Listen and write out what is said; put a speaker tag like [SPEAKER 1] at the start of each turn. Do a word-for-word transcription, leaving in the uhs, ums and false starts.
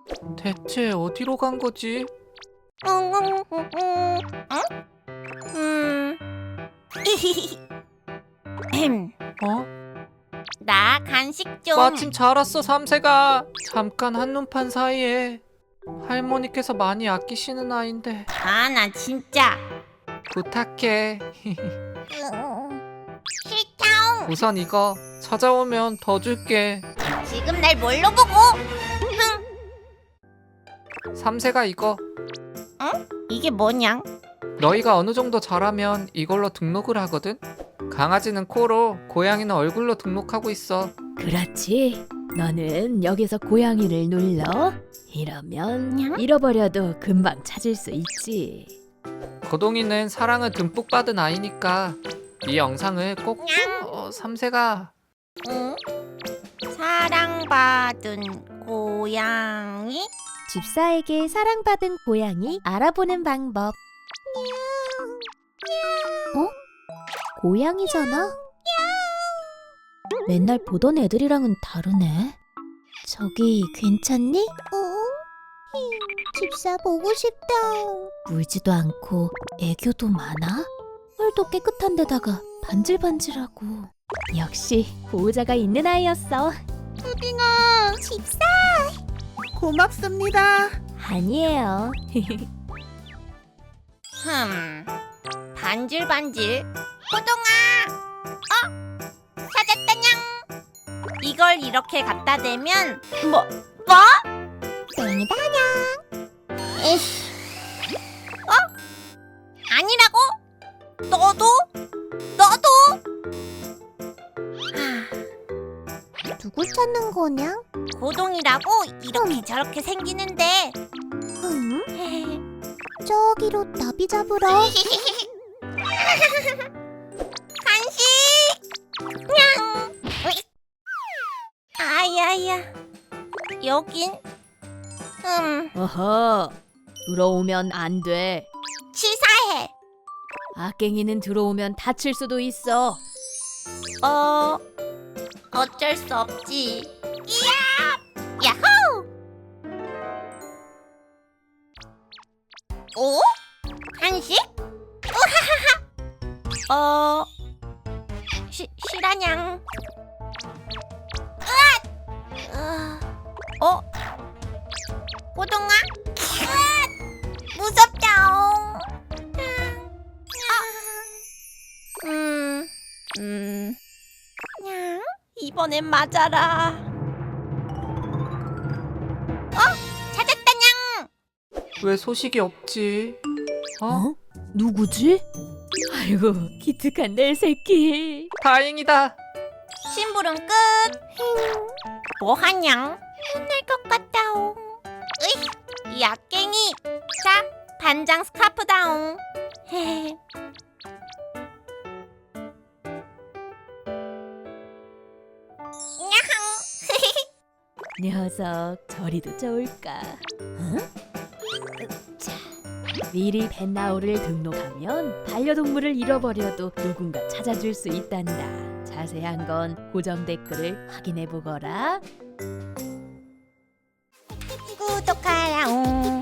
[SPEAKER 1] 대체 어디로 간 거지?
[SPEAKER 2] 응? 음.
[SPEAKER 1] 어?
[SPEAKER 2] 나 간식 좀.
[SPEAKER 1] 마침 잘 왔어, 삼세가. 잠깐 한눈판 사이에. 할머니께서 많이 아끼시는 아인데
[SPEAKER 2] 아, 나 진짜.
[SPEAKER 1] 부탁해.
[SPEAKER 2] 싫다.
[SPEAKER 1] 우선 이거 찾아오면 더 줄게.
[SPEAKER 2] 지금 날 뭘로 보고?
[SPEAKER 1] 삼세가 이거.
[SPEAKER 2] 이게 뭐냐?
[SPEAKER 1] 너희가 어느 정도 자라면 이걸로 등록을 하거든? 강아지는 코로, 고양이는 얼굴로 등록하고 있어.
[SPEAKER 3] 그렇지. 너는 여기서 고양이를 눌러. 이러면
[SPEAKER 2] 냥?
[SPEAKER 3] 잃어버려도 금방 찾을 수 있지.
[SPEAKER 1] 고동이는 사랑을 듬뿍 받은 아이니까 이 영상을 꼭
[SPEAKER 2] 냥?
[SPEAKER 1] 어, 삼세가
[SPEAKER 2] 응? 사랑받은 고양이?
[SPEAKER 3] 집사에게 사랑받은 고양이 알아보는 방법. 어? 고양이잖아? 맨날 보던 애들이랑은 다르네. 저기 괜찮니? 어? 집사 보고 싶다. 울지도 않고 애교도 많아? 털도 깨끗한 데다가 반질반질하고. 역시 보호자가 있는 아이였어.
[SPEAKER 2] 푸딩아, 집사.
[SPEAKER 4] 고맙습니다.
[SPEAKER 3] 아니에요.
[SPEAKER 2] 흠, 반질반질. 호동아, 어? 찾았다냥. 이걸 이렇게 갖다 대면 뭐? 뭐? 땡이다냥. 에휴. 어? 아니라고? 너도? 너도? 하,
[SPEAKER 5] 누굴 찾는 거냐?
[SPEAKER 2] 고동이라고 이렇게 저렇게 생기는데.
[SPEAKER 5] 응? 저기로 나비 잡으러.
[SPEAKER 2] 간식! 냥! 으이. 아야야. 여긴? 음,
[SPEAKER 3] 어허, 들어오면 안 돼.
[SPEAKER 2] 치사해.
[SPEAKER 3] 악갱이는 들어오면 다칠 수도 있어.
[SPEAKER 2] 어, 어쩔 수 없지. 이야! 야호! 오? 간식? 우하하하! 어, 시, 실화냥. 으아! 어? 고동아? 으아! 무섭다옹. 음, 음, 냥, 이번엔 맞아라. 어? 찾았다냥.
[SPEAKER 1] 왜 소식이 없지? 어?
[SPEAKER 3] 어? 누구지? 아이고, 기특한 내 새끼.
[SPEAKER 1] 다행이다.
[SPEAKER 2] 심부름 끝. 뭐하냥? 혼날 것 같다옹. 으이, 이 악갱이. 자, 반장 스카프다옹. 헤헤.
[SPEAKER 3] 녀석, 저리도 좋을까? 응? 자, 미리 펫나우를 등록하면 반려동물을 잃어버려도 누군가 찾아줄 수 있단다. 자세한 건 고정 댓글을 확인해 보거라.
[SPEAKER 2] 구독하라옹.